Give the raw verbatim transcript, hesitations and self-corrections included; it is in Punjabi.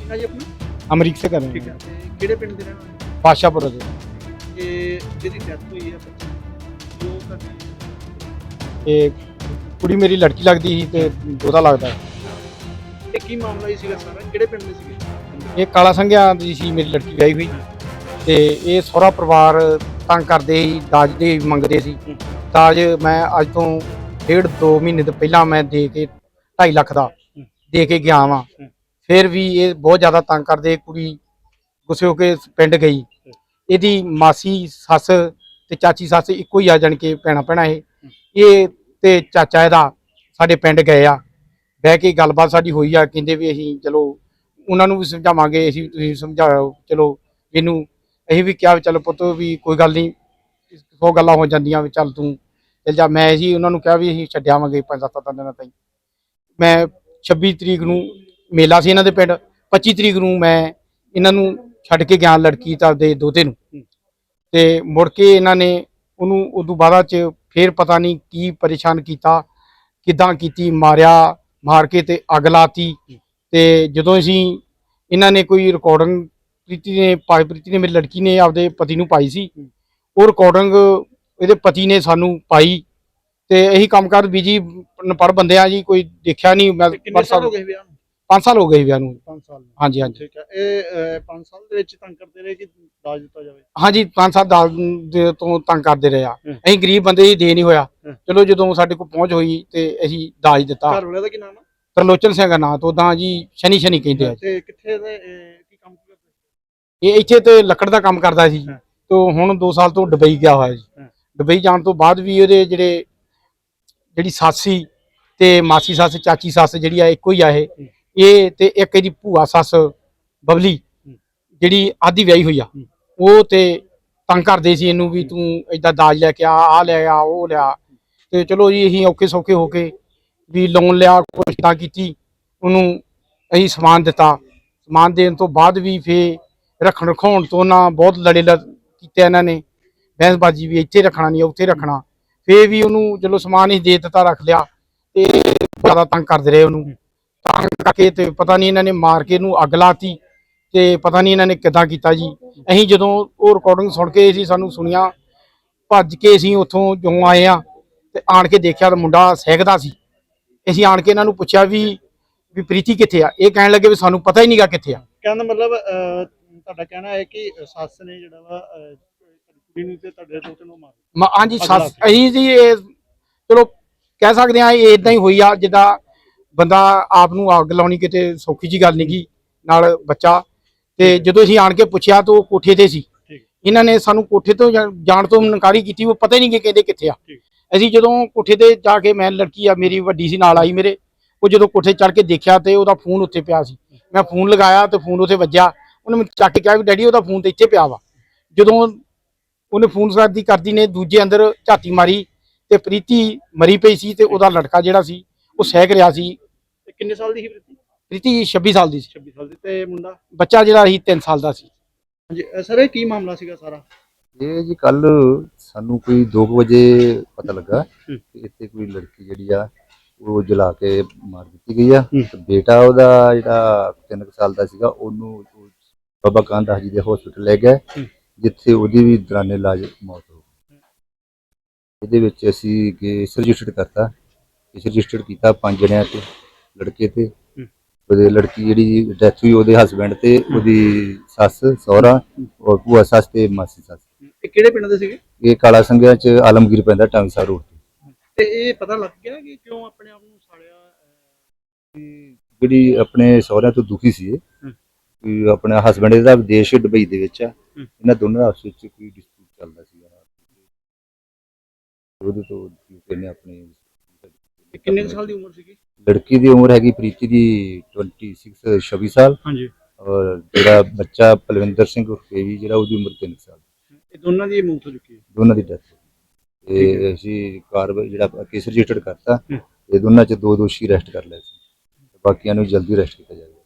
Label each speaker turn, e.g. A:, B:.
A: ਨਾਂ ਜੀ ਆਪਣਾ?
B: ਅਮਰੀਕ ਸੇ ਕਰ ਰਹੇ
A: ਠੀਕ
B: हैं।
A: ਹੈ ਤੇ ਕਿਹੜੇ ਪਿੰਡ ਦੇ ਰਹਿਣ ਵਾਲੇ?
B: ਬਾਦਸ਼ਾਹਪੁਰ ਦੇ
A: ਤੇ ਜਿਹਦੀ ਡੈਥ ਹੋਈ ਹੈ ਬੱਚੇ ਦੀ, ਉਹ ਤੁਹਾਡੀ
B: ਇਹ ਕੁੜੀ ਮੇਰੀ ਲੜਕੀ ਲੱਗਦੀ ਸੀ ਤੇ ਦੋਤਾ ਲੱਗਦਾ।
A: ਇਹ ਕੀ ਮਾਮਲਾ ਹੀ ਸੀਗਾ ਸਾਰਾ? ਕਿਹੜੇ ਪਿੰਡ ਦੇ ਸੀਗੇ?
B: ਇਹ ਕਾਲਾ ਸੰਘਿਆ ਦੀ ਸੀ ਮੇਰੀ ਲੜਕੀ ਵਿਆਹੀ ਹੋਈ ਤੇ ਇਹ ਸਹੁਰਾ ਪਰਿਵਾਰ ਤੰਗ ਕਰਦੇ ਸੀ, ਦਾਜ ਦੇ ਮੰਗਦੇ ਸੀ। ਦਾਜ ਮੈਂ ਅੱਜ ਤੋਂ ਡੇਢ ਦੋ ਮਹੀਨੇ ਤੋਂ ਪਹਿਲਾਂ ਮੈਂ ਦੇ ਕੇ ਢਾਈ ਲੱਖ ਦਾ ਦੇ ਕੇ ਗਿਆ ਵਾਂ। ਫਿਰ ਵੀ ਇਹ ਬਹੁਤ ਜ਼ਿਆਦਾ ਤੰਗ ਕਰਦੇ। ਕੁੜੀ ਗੁੱਸੇ ਹੋ ਕੇ ਪਿੰਡ ਗਈ। ਇਹਦੀ ਮਾਸੀ ਸੱਸ ਤੇ ਚਾਚੀ ਸੱਸ ਇੱਕੋ ਹੀ ਆ, ਜਾਣ ਕੇ ਭੈਣਾਂ ਭੈਣਾਂ ਇਹ ਇਹ ਤੇ ਚਾਚਾ ਇਹਦਾ ਸਾਡੇ ਪਿੰਡ ਗਏ ਆ। ਬਹਿ ਕੇ ਗੱਲਬਾਤ ਸਾਡੀ ਹੋਈ ਆ। ਕਹਿੰਦੇ ਵੀ ਅਸੀਂ ਚਲੋ ਉਹਨਾਂ ਨੂੰ ਵੀ ਸਮਝਾਵਾਂਗੇ, ਅਸੀਂ ਤੁਸੀਂ ਸਮਝਾਓ। ਚਲੋ ਇਹਨੂੰ ਅਸੀਂ ਵੀ ਕਿਹਾ ਵੀ ਚਲੋ ਪੁੱਤ ਵੀ ਕੋਈ ਗੱਲ ਨਹੀਂ, ਸੌ ਗੱਲਾਂ ਹੋ ਜਾਂਦੀਆਂ ਵੀ ਚੱਲ ਤੂੰ ਚੱਲ ਜਾ। ਮੈਂ ਜੀ ਉਹਨਾਂ ਨੂੰ ਕਿਹਾ ਵੀ ਅਸੀਂ ਛੱਡਿਆਵਾਂਗੇ ਪੰਜ ਸੱਤ ਦਿਨਾਂ ਤਾਈਂ। ਮੈਂ ਛੱਬੀ ਤਰੀਕ ਨੂੰ ਮੇਲਾ ਸੀ ਇਹਨਾਂ ਦੇ ਪਿੰਡ, ਪੱਚੀ ਤਰੀਕ ਨੂੰ ਮੈਂ ਇਹਨਾਂ ਨੂੰ ਛੱਡ ਕੇ ਗਿਆ ਲੜਕੀ ਤਾਂ ਦੇ ਦੋਤੇ ਨੂੰ। ਤੇ ਮੁੜ ਕੇ ਇਹਨਾਂ ਨੇ ਉਹਨੂੰ ਉਦੋਂ ਬਾਅਦ ਚ ਫੇਰ ਪਤਾ ਨਹੀਂ ਕੀ ਪਰੇਸ਼ਾਨ ਕੀਤਾ, ਕਿੱਦਾਂ ਕੀਤੀ, ਮਾਰਿਆ, ਮਾਰ ਕੇ ਤੇ ਅੱਗ ਲਾਤੀ। ਤੇ ਜਦੋਂ ਅਸੀਂ ਇਹਨਾਂ ਨੇ ਕੋਈ ਰਿਕਾਰਡਿੰਗ ਪ੍ਰੀਤੀ ਨੇ ਪਾਈ, ਪ੍ਰੀਤੀ ਨੇ ਮੇਰੀ ਲੜਕੀ ਨੇ ਆਪਦੇ ਪਤੀ ਨੂੰ ਪਾਈ ਸੀ। ਉਹ ਰਿਕਾਰਡਿੰਗ ਇਹਦੇ ਪਤੀ ਨੇ ਸਾਨੂੰ ਪਾਈ ਤੇ ਇਹੀ ਕੰਮ ਕਰ ਬੀਜੀ ਪੜ ਬੰਦੇ ਆ ਜੀ, ਕੋਈ ਦੇਖਿਆ ਨਹੀਂ। ਮੈਂ
A: ਕਿੰਨੇ ਸਾਲ ਹੋ ਗਏ ਵਿਆਹ ਨੂੰ?
B: ਪੰਜ ਸਾਲ ਹੋ ਗਏ ਵਿਆਹ ਨੂੰ।
A: ਪੰਜ ਸਾਲ
B: ਹਾਂਜੀ ਹਾਂਜੀ
A: ਠੀਕ ਹੈ। ਇਹ ਪੰਜ ਸਾਲ ਦੇ ਵਿੱਚ ਤੰਗ ਕਰਦੇ ਰਹੇ ਕਿ ਦਾਜ ਦਿੱਤਾ ਜਾਵੇ?
B: ਹਾਂਜੀ, ਪੰਜ ਸਾਲ ਦਾਜ ਦੇ ਤੋਂ ਤੰਗ ਕਰਦੇ ਰਹੇ ਆ। ਅਸੀਂ ਗਰੀਬ ਬੰਦੇ ਜੀ, ਦੇ ਨਹੀਂ ਹੋਇਆ। ਚਲੋ ਜਦੋਂ ਸਾਡੇ ਕੋਲ ਪਹੁੰਚ ਹੋਈ ਤੇ ਅਸੀਂ ਦਾਜ ਦਿੱਤਾ।
A: ਘਰ ਵਾਲੇ ਦਾ ਕੀ ਨਾਮ ਹੈ?
B: ਤਰਲੋਚਨ ਸਿੰਘ ਦਾ ਨਾਂ ਤੋਂ ਉਦਾਂ ਜੀ ਸ਼ਨੀ ਸ਼ਨੀ ਕਹਿੰਦੇ ਆ।
A: ਤੇ ਕਿੱਥੇ ਦੇ ਕੀ ਕੰਮ ਕਰਦੇ?
B: ਇਹ ਇੱਥੇ ਤੇ ਲੱਕੜ ਦਾ ਕੰਮ ਕਰਦਾ ਸੀ ਤੇ ਹੁਣ ਦੋ ਸਾਲ ਤੋਂ ਦੁਬਈ ਗਿਆ ਹੋਇਆ ਜੀ। ਦੁਬਈ ਜਾਣ ਤੋਂ ਬਾਅਦ ਵੀ ਉਹਦੇ ਜਿਹੜੇ ਜਿਹੜੀ ਸੱਸ ਸੀ ਤੇ ਮਾਸੀ ਸੱਸ ਚਾਚੀ ਸੱਸ ਜਿਹੜੀ ਆ ਇੱਕੋ ਹੀ ਆ ਇਹ ਇਹ ਤੇ ਇੱਕ ਇਹਦੀ ਭੂਆ ਸੱਸ ਬਬਲੀ ਜਿਹੜੀ ਆਦੀ ਵਿਆਹੀ ਹੋਈ ਆ, ਉਹ ਤੇ ਤੰਗ ਕਰਦੇ ਸੀ ਇਹਨੂੰ ਵੀ ਤੂੰ ਏਦਾਂ ਦਾਜ ਲੈ ਕੇ ਆ, ਆ ਲੈ ਆ, ਉਹ ਲਿਆ। ਤੇ ਚਲੋ ਜੀ ਅਸੀਂ ਔਖੇ ਸੌਖੇ ਹੋ ਕੇ ਵੀ ਲੋਨ ਲਿਆ, ਕੁਛ ਤਾਂ ਕੀਤੀ, ਉਹਨੂੰ ਅਸੀਂ ਸਮਾਨ ਦਿੱਤਾ। ਸਮਾਨ ਦੇਣ ਤੋਂ ਬਾਅਦ ਵੀ ਫੇਰ ਰੱਖਣ ਰਖਾਉਣ ਤੋਂ ਨਾ ਬਹੁਤ ਲੜੇ ਲ ਕੀਤੇ ਇਹਨਾਂ ਨੇ। ਬਹਿਸਬਾਜੀ ਵੀ ਇੱਥੇ ਰੱਖਣਾ ਨਹੀਂ ਉੱਥੇ ਰੱਖਣਾ। ਫੇਰ ਵੀ ਉਹਨੂੰ ਚਲੋ ਸਮਾਨ ਹੀ ਦੇ ਦਿੱਤਾ, ਰੱਖ ਲਿਆ ਤੇ ਜ਼ਿਆਦਾ ਤੰਗ ਕਰਦੇ ਰਹੇ ਉਹਨੂੰ। ਤੰਗ ਕਰਕੇ ਤੇ ਪਤਾ ਨਹੀਂ ਇਹਨਾਂ ਨੇ ਮਾਰ ਕੇ ਇਹਨੂੰ ਅੱਗ ਲਾਤੀ ਤੇ ਪਤਾ ਨਹੀਂ ਇਹਨਾਂ ਨੇ ਕਿੱਦਾਂ ਕੀਤਾ ਜੀ। ਅਸੀਂ ਜਦੋਂ ਉਹ ਰਿਕਾਰਡਿੰਗ ਸੁਣ ਕੇ ਅਸੀਂ ਸਾਨੂੰ ਸੁਣੀਆਂ, ਭੱਜ ਕੇ ਅਸੀਂ ਉੱਥੋਂ ਜੋ ਆਏ ਆ ਤੇ ਆਣ ਕੇ ਦੇਖਿਆ ਤਾਂ ਮੁੰਡਾ ਸਹਿਕਦਾ ਸੀ। ਅਸੀਂ ਆਣ ਕੇ ਇਹਨਾਂ ਨੂੰ ਪੁੱਛਿਆ ਵੀ ਵੀ ਪ੍ਰੀਤੀ ਕਿੱਥੇ ਆ? ਇਹ ਕਹਿਣ ਲੱਗੇ ਵੀ ਸਾਨੂੰ ਪਤਾ ਹੀ ਨਹੀਂਗਾ ਕਿੱਥੇ ਆ।
A: ਕਹਿੰਦਾ ਮਤਲਬ ਤੁਹਾਡਾ ਕਹਿਣਾ ਹੈ ਕਿ ਸੱਸ ਨੇ ਜਿਹੜਾ ਵਾ ਕੁੜੀ ਨੂੰ ਤੇ ਤੁਹਾਡੇ ਦੋਤੇ ਨੂੰ ਮਾਰ
B: ਹਾਂਜੀ ਸੱਸ ਅਸੀਂ ਜੀ ਇਹ ਚਲੋ ਕਹਿ ਸਕਦੇ ਹਾਂ ਇਹ ਇਦਾਂ ਹੀ ਹੋਈ ਆ ਜਿੱਦਾਂ ਬੰਦਾ ਆਪ ਨੂੰ ਅੱਗ ਲਾਉਣੀ ਕਿਤੇ ਸੌਖੀ ਜੀ ਗੱਲ ਨਹੀਂ ਗੀ, ਨਾਲ ਬੱਚਾ। ਤੇ ਜਦੋਂ ਅਸੀਂ ਆਣ ਕੇ ਪੁੱਛਿਆ ਤਾਂ ਉਹ ਕੋਠੇ ਤੇ ਸੀ। ਇਹਨਾਂ ਨੇ ਸਾਨੂੰ ਕੋਠੇ ਤੋਂ ਜਾਣ ਤੋਂ ਇਨਕਾਰੀ ਕੀਤੀ, ਉਹ ਪਤਾ ਹੀ ਨਹੀਂ ਕਿ ਕਹਿੰਦੇ ਕਿੱਥੇ ਆ। ਅਸੀਂ ਜਦੋਂ ਕੋਠੇ ਤੇ ਜਾ ਕੇ, ਮੈਂ ਲੜਕੀ ਆ ਮੇਰੀ ਵੱਡੀ ਸੀ ਨਾਲ ਆਈ ਮੇਰੇ, ਉਹ ਜਦੋਂ ਕੋਠੇ ਚੜ੍ਹ ਕੇ ਦੇਖਿਆ ਤੇ ਉਹਦਾ ਫੋਨ ਉੱਤੇ ਪਿਆ ਸੀ। ਮੈਂ ਫੋਨ ਲਗਾਇਆ ਤੇ ਫੋਨ ਉੱਥੇ ਵੱਜਿਆ। ਉਹਨੇ ਮੈਨੂੰ ਚੱਕ ਕੇ ਕਿਹਾ ਵੀ ਡੈਡੀ ਉਹਦਾ ਫੋਨ ਤੇ ਇੱਥੇ ਪਿਆ ਵਾ। ਜਦੋਂ ਉਹਨੇ ਫੋਨ ਕਰਦੀ ਕਰਦੀ ਨੇ ਦੂਜੇ ਅੰਦਰ ਝਾਤੀ ਮਾਰੀ ਤੇ ਪ੍ਰੀਤੀ ਮਰੀ ਪਈ ਸੀ ਤੇ ਉਹਦਾ ਲੜਕਾ ਜਿਹੜਾ ਸੀ ਉਹ ਸਹਿਕ ਰਿਹਾ ਸੀ।
A: ਕਿੰਨੇ ਸਾਲ ਦੀ ਸੀ ਪ੍ਰੀਤੀ?
B: ਪ੍ਰੀਤੀ ਛੱਬੀ ਸਾਲ ਦੀ ਸੀ।
A: ਛੱਬੀ ਸਾਲ ਦੀ। ਤੇ ਮੁੰਡਾ
B: ਬੱਚਾ ਜਿਹੜਾ ਸੀ ਤਿੰਨ ਸਾਲ ਦਾ ਸੀ।
A: ਹਾਂਜੀ ਸਰ, ਇਹ ਕੀ ਮਾਮਲਾ ਸੀਗਾ ਸਾਰਾ?
C: ਇਹ ਜੀ ਕੱਲ ਸਾਨੂੰ ਕੋਈ ਦੋ ਵਜੇ ਪਤਾ ਲੱਗਾ ਕਿ ਇੱਥੇ ਕੋਈ ਲੜਕੀ ਜਿਹੜੀ ਆ ਉਹ ਜਲਾ ਕੇ ਮਾਰ ਦਿੱਤੀ ਗਈ ਆ। ਤੇ ਬੇਟਾ ਉਹਦਾ ਜਿਹੜਾ ਤਿੰਨ ਸਾਲ ਦਾ ਸੀਗਾ ਉਹਨੂੰ ਬਾਬਾ ਕਾਂਦਾ ਜੀ ਦੇ ਹਸਪੀਟਲ ਲੈ ਗਏ, ਜਿੱਥੇ ਉਹਦੀ ਵੀ ਦੌਰਾਨੇ ਇਲਾਜ ਮੌਤ ਹੋ ਗਈ। ਇਹਦੇ ਵਿੱਚ ਅਸੀਂ ਕੇਸ ਰਜਿਸਟਰਡ ਕਰਤਾ। ਕੇਸ ਰਜਿਸਟਰਡ ਕੀਤਾ ਪੰਜ ਜਣਿਆਂ ਤੇ, ਲੜਕੇ ਤੇ ਉਹਦੇ ਲੜਕੀ ਜਿਹੜੀ ਡੈਥ ਹੋਈ ਉਹਦੇ ਹਸਬੈਂਡ ਤੇ ਉਹਦੀ ਸੱਸ ਸਹੁਰਾ ਔਰ ਭੂਆ ਸੱਸ ਤੇ ਮਾਸੀ ਸੱਸ।
A: ਇਹ ਕਿਹੜੇ ਪਿੰਡ ਦੇ ਸੀਗੇ?
C: ਇਹ ਕਾਲਾ ਸੰਘਿਆ ਚ ਆਲਮਗੀਰ ਪੈਂਦਾ, ਟਾਂਸਾ ਰੋਡ ਤੇ।
A: ਤੇ ਇਹ ਪਤਾ ਲੱਗ ਗਿਆ ਕਿ ਕਿਉਂ ਆਪਣੇ ਆਪ ਨੂੰ ਸਾੜਿਆ?
C: ਜਿਹੜੀ ਆਪਣੇ ਸਹੁਰਿਆਂ ਤੋਂ ਦੁਖੀ ਸੀ ਕਿ ਆਪਣਾ ਹਸਬੈਂਡ ਇਹਦਾ ਵਿਦੇਸ਼ ਦੁਬਈ ਦੇ ਵਿੱਚ ਆ। ਇਹਨਾਂ ਦੋਨਾਂ ਦਾ ਆਪਸ ਵਿੱਚ ਕੋਈ ਡਿਸਪਿਊਟ ਚੱਲਦਾ ਸੀ। ਉਹਦੇ ਤੋਂ ਇਹਨੇ ਆਪਣੇ
A: ਕਿੰਨੇ ਸਾਲ ਦੀ ਉਮਰ ਸੀਗੀ?
C: ਲੜਕੀ ਦੀ ਉਮਰ ਹੈਗੀ ਪ੍ਰੀਤੀ ਦੀ ਛੱਬੀ ਛੱਬੀ ਸਾਲ।
A: ਹਾਂਜੀ।
C: ਔਰ ਜਿਹੜਾ ਬੱਚਾ ਪਲਵਿੰਦਰ ਸਿੰਘ ਉਰਫੇਵੀ ਜਿਹੜਾ ਉਹਦੀ ਉਮਰ ਤਿੰਨ ਸਾਲ।
A: ਇਹ ਦੋਨਾਂ ਦੀ ਮੌਤ ਹੋ ਚੁੱਕੀ ਹੈ?
C: ਦੋਨਾਂ ਦੀ ਡੈਥ। ਤੇ ਅਸੀਂ ਕਾਰਵਾਈ ਜਿਹੜਾ ਕੇਸ ਰਜਿਸਟਰਡ ਕਰਤਾ, ਇਹ ਦੋਨਾਂ ਚ ਦੋ ਦੋਸ਼ੀ ਅਰੈਸਟ ਕਰ ਲਏ ਸੀ। ਬਾਕੀਆਂ ਨੂੰ ਜਲਦੀ ਅਰੈਸਟ ਕੀਤਾ ਜਾਏਗਾ।